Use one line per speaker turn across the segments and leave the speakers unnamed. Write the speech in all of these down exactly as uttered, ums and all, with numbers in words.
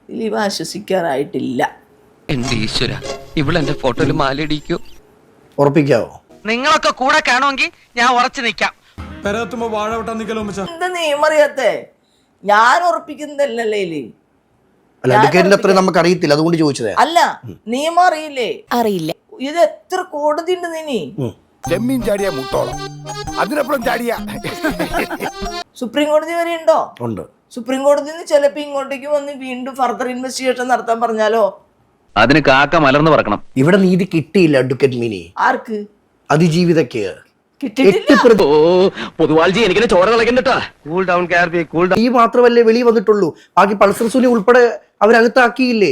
ദിലീപ് ആശ്വസിക്കാറായിട്ടില്ല.
എന്റെ ഈശ്വര, ഇവളെന്റെ ഫോട്ടോയിൽ മാലയിടിക്കോ?
ഉറപ്പിക്കാവോ?
നിങ്ങളൊക്കെ കൂടെ കാണുമെങ്കിൽ ഞാൻ ഉറച്ചു നിൽക്കാം.
എന്താ നിയമം അറിയാത്തെ? ഞാൻ ഉറപ്പിക്കുന്നതല്ലേ.
അല്ല, അഡ്വക്കേറ്റിന്റെ അത്ര നമുക്ക് അറിയത്തില്ല, അതുകൊണ്ട് ചോദിച്ചത്.
അല്ല, നിയമം അറിയില്ലേ? അറിയില്ല. ഇത് എത്ര കോടതി ഉണ്ട് നീ?
ചെമ്മീൻ ചാടിയ മുട്ടോളം, അതിനപ്പുറം ചാടിയ
സുപ്രീം കോടതി വരെ ഉണ്ടോ?
ഉണ്ട്.
സുപ്രീം കോടതിയിൽ നിന്ന് ചിലപ്പോ ഇങ്ങോട്ടേക്ക് വന്ന് വീണ്ടും ഫർദർ ഇൻവെസ്റ്റിഗേഷൻ നടത്താൻ പറഞ്ഞാലോ?
അതിന് കാക്ക മലർന്നു പറക്കണം.
ഇവിടെ നീതി കിട്ടിയില്ല അഡ്വക്കേറ്റ് മിനി.
ആർക്ക്?
അതിജീവിതക്ക്
കിട്ടിയിട്ടില്ല.
പൊതുവാൾജി എനിക്കിനെ ചോര കളക്കണ്ടട്ടാ. കൂൾ ഡൗൺ കാർബി, കൂൾ ഡൗൺ.
ഈ മാത്രമല്ലേ വെളി വന്നിട്ടുള്ളൂ, ബാക്കി പൾസർ സുനി ഉൾപ്പെടെ അവരകത്താക്കിയില്ലേ?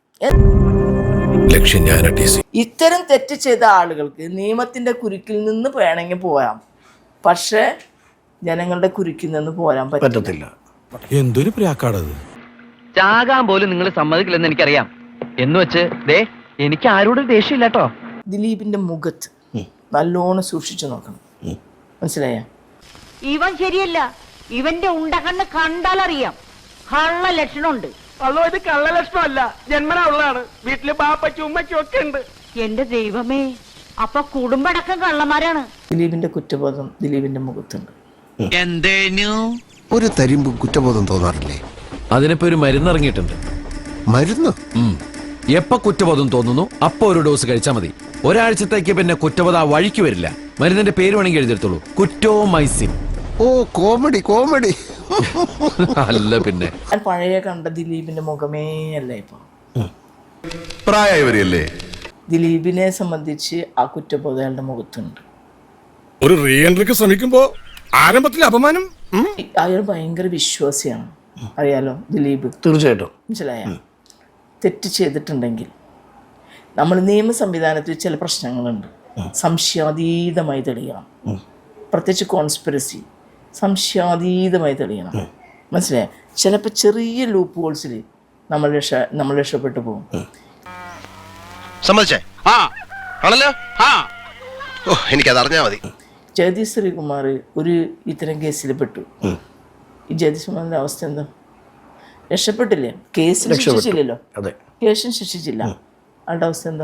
ഇത്തരം തെറ്റ് ചെയ്ത ആളുകൾക്ക് നിയമത്തിന്റെ കുരുക്കിൽ നിന്ന് വേണമെങ്കിൽ പോരാം, പക്ഷെ ജനങ്ങളുടെ കുരുക്കിൽ നിന്ന് പോരാൻ പറ്റത്തില്ല.
എന്തൊരു പ്രാക്കാടത്.
ചാകാൻ പോലും നിങ്ങൾ സമ്മതിക്കില്ലെന്ന് എനിക്കറിയാം. എന്ന് വെച്ച് ദേ എനിക്ക് ആരോടും ദേഷ്യമില്ല കേട്ടോ.
ദിലീപിന്റെ മുഖത്ത് നല്ലോണം സൂക്ഷിച്ചു നോക്കണം, മനസ്സിലായ?
ഇവൻ ശരിയല്ല. ഇവന്റെ ഉണ്ടകണ്ണ് കണ്ടാലറിയാം കള്ള ലക്ഷണമുണ്ട്.
അതോ ഇത് കള്ള ലക്ഷണമല്ല, ജന്മനാ ഉള്ളതാണ്. വീട്ടില് ബാപ്പയ്ക്കും ഉമ്മയ്ക്കും ഒക്കെ ഉണ്ട്.
എന്റെ ദൈവമേ, അപ്പൊ കുടുംബടക്കം കള്ളന്മാരാണ്.
ദിലീപിന്റെ കുറ്റബോധം ദിലീപിന്റെ മുഖത്തുണ്ട്.
എന്തേനു
ഒരു തരിമ്പ് കുറ്റബോധം തോന്നാറില്ലേ?
അതിനിപ്പോ ഒരു മരുന്ന് ഇറങ്ങിയിട്ടുണ്ട്.
മരുന്ന്?
എപ്പോ കുറ്റബോധം തോന്നുന്നു അപ്പൊ ഒരു ഡോസ് കഴിച്ചാൽ മതി. ഒരാഴ്ചത്തേക്ക് പിന്നെ കുറ്റബോധം ആ വഴിക്ക് വരില്ല. മരുന്നിന്റെ പേര് വേണമെങ്കിൽ എഴുതിയെടുത്തോളൂ, കുറ്റോമൈസിൻ.
ഓ, കോമഡി കോമഡി.
അല്ല പിന്നെ
ഞാൻ പഴയ കണ്ട ദിലീപിന്റെ മുഖമേ അല്ല ഇപ്പൊ.
പ്രായവരല്ലേ?
ദിലീപിനെ സംബന്ധിച്ച് ആ കുറ്റബോധം അയാളുടെ മുഖത്തുണ്ട്.
ഒരു റീ എൻട്രിക്ക് ശ്രമിക്കുമ്പോ ആരംഭത്തിലെ അപമാനം.
അയാൾ ഭയങ്കര വിശ്വാസിയാണ്, അറിയാലോ ദിലീപ്.
തീർച്ചയായിട്ടും.
മനസ്സിലായ? തെറ്റ് ചെയ്തിട്ടുണ്ടെങ്കിൽ നമ്മൾ നിയമ സംവിധാനത്തിൽ ചില പ്രശ്നങ്ങളുണ്ട്, സംശയാതീതമായി തെളിയണം. പ്രത്യേകിച്ച് കോൺസ്പിറസി സംശയാതീതമായി തെളിയണം, മനസ്സിലായ? ചിലപ്പോൾ ചെറിയ ലൂപ്പ് ഹോൾസിൽ നമ്മൾ രക്ഷ നമ്മൾ രക്ഷപ്പെട്ടു പോകും.
സമ്മതിച്ചേ? ആ ആണല്ലോ. ആ ഓ, എനിക്കത് അറിഞ്ഞാൽ മതി.
ജഗതി ശ്രീകുമാർ ഒരു ഇത്തരം കേസിൽ പെട്ടു. ഈ ജഗതി ശ്രീകുമാറിന്റെ അവസ്ഥ എന്താ? രക്ഷപ്പെട്ടില്ലേ? കേസിൽ ശിക്ഷിച്ചില്ലല്ലോ.
അതെ,
കേസിന് ശിക്ഷിച്ചില്ല. ആളുടെ അവസ്ഥ എന്താ?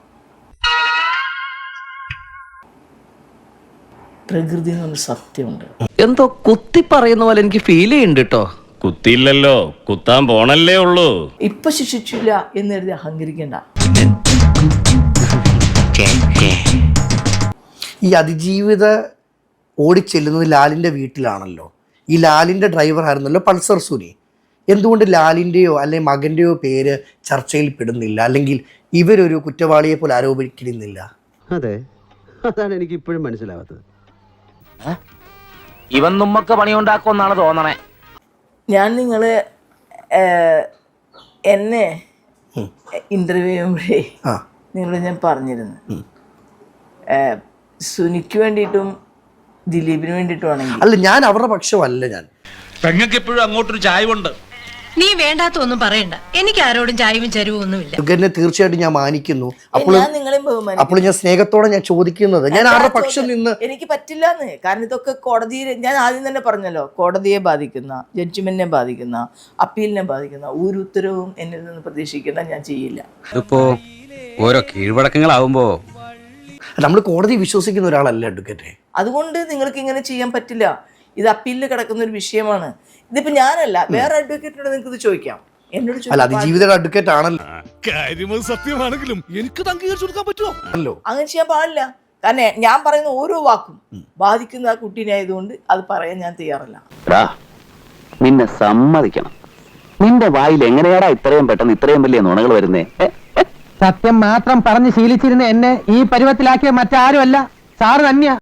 പ്രകൃതി എന്ന് പറഞ്ഞ സത്യമുണ്ട്.
എന്തോ കുത്തി പറയുന്ന പോലെ എനിക്ക് ഫീൽ ചെയ്യുന്നുണ്ട് കേട്ടോ.
കുത്തിയില്ലല്ലോ, കുത്താൻ പോണല്ലേ ഉള്ളൂ.
ഇപ്പൊ ശിക്ഷിച്ചില്ല എന്ന് എഴുതി അഹങ്കരിക്കണ്ട.
ഈ അതിജീവിത ഓടിച്ചെല്ലുന്നത് ലാലിന്റെ വീട്ടിലാണല്ലോ. ഈ ലാലിന്റെ ഡ്രൈവർ ആയിരുന്നല്ലോ പൾസർ സുനി. എന്തുകൊണ്ട് ലാലിൻ്റെയോ അല്ലെങ്കിൽ മകൻ്റെയോ പേര് ചർച്ചയിൽ പെടുന്നില്ല, അല്ലെങ്കിൽ ഇവരൊരു കുറ്റവാളിയെ പോലെ ആരോപിക്കുന്നില്ല?
അതെ, അതാണ് എനിക്ക് ഇപ്പോഴും മനസ്സിലാവാത്തത്.
ഇവൻ നമ്മക്ക് പണിയുണ്ടാക്കുമെന്നാണ് തോന്നണേ.
ഞാൻ നിങ്ങള് എന്നെ ഇന്റർവ്യൂ ചെയ്യുമ്പോഴേ നിങ്ങൾ ഞാൻ പറഞ്ഞിരുന്നു, സുനിക്ക് വേണ്ടിയിട്ടും ദിലീപിന് വേണ്ടിയിട്ടും.
അല്ല, ഞാൻ അവരുടെ പക്ഷമല്ല. ഞാൻ
പെങ്ങൾക്ക് എപ്പോഴും അങ്ങോട്ടൊരു ചായവുണ്ട്.
നീ വേണ്ടാത്ത ഒന്നും പറയണ്ട. എനിക്ക് ആരോടും ചായവും ചരിവും ഒന്നുമില്ല.
എന്നെ തീർച്ചയായിട്ടും ഞാൻ മാനിക്കുന്നു. അപ്പോൾ
നിങ്ങളെയും
അപ്പോൾ ഞാൻ സ്നേഹത്തോടെ ഞാൻ ചോദിക്കുന്നത്, ഞാൻ ആരുടെ പക്ഷം നിന്ന്
എനിക്ക് പറ്റില്ലാന്ന്. കാരണം ഇതൊക്കെ കോടതിയിൽ, ഞാൻ ആദ്യം തന്നെ പറഞ്ഞല്ലോ, കോടതിയെ ബാധിക്കുന്ന, ജഡ്ജ്മെന്റിനെ ബാധിക്കുന്ന, അപ്പീലിനെ ബാധിക്കുന്ന ഒരു ഉത്തരവും എന്നിൽ നിന്ന് പ്രതീക്ഷിക്കേണ്ട, ഞാൻ ചെയ്യില്ല.
ഇതിപ്പോ ഓരോ കീഴ്വഴക്കങ്ങളാവുമ്പോ
നമ്മൾ കോടതി വിശ്വസിക്കുന്ന ഒരാളല്ല അഡ്വക്കേറ്റ്.
അതുകൊണ്ട് നിങ്ങൾക്ക് ഇങ്ങനെ ചെയ്യാൻ പറ്റില്ല. ഇത് അപ്പീലിൽ കിടക്കുന്ന ഒരു വിഷയമാണ്. ഇതിപ്പോ ഞാനല്ല, വേറെ അഡ്വക്കേറ്റിനോട് നിങ്ങൾക്ക് ഇത് ചോദിക്കാം. എന്നോട്
അല്ല, അതിജീവിതയുടെ അഡ്വക്കേറ്റ് ആണല്ലോ.
കാര്യം സത്യമാണെങ്കിലും എനിക്ക് അംഗീകരിച്ചു കൊടുക്കാൻ പറ്റുമോ?
അങ്ങനെ ചെയ്യാൻ പാടില്ല. കാരണം ഞാൻ പറയുന്ന ഓരോ വാക്കും ബാധിക്കുന്ന ആ കുട്ടീനെ ആയതുകൊണ്ട് അത് പറയാൻ ഞാൻ തയ്യാറല്ല.
നിന്നെ സമ്മതിക്കണം. നിന്റെ വായിൽ എങ്ങനെയാടാ ഇത്രയും പെട്ടെന്ന് ഇത്രയും വലിയ നുണകൾ വരുന്നേ?
സത്യം മാത്രം പറഞ്ഞ് ശീലിച്ചിരുന്ന എന്നെ ഈ പരുവത്തിലാക്കിയ മറ്റാരുമല്ല, സാറ് തന്നെയാ.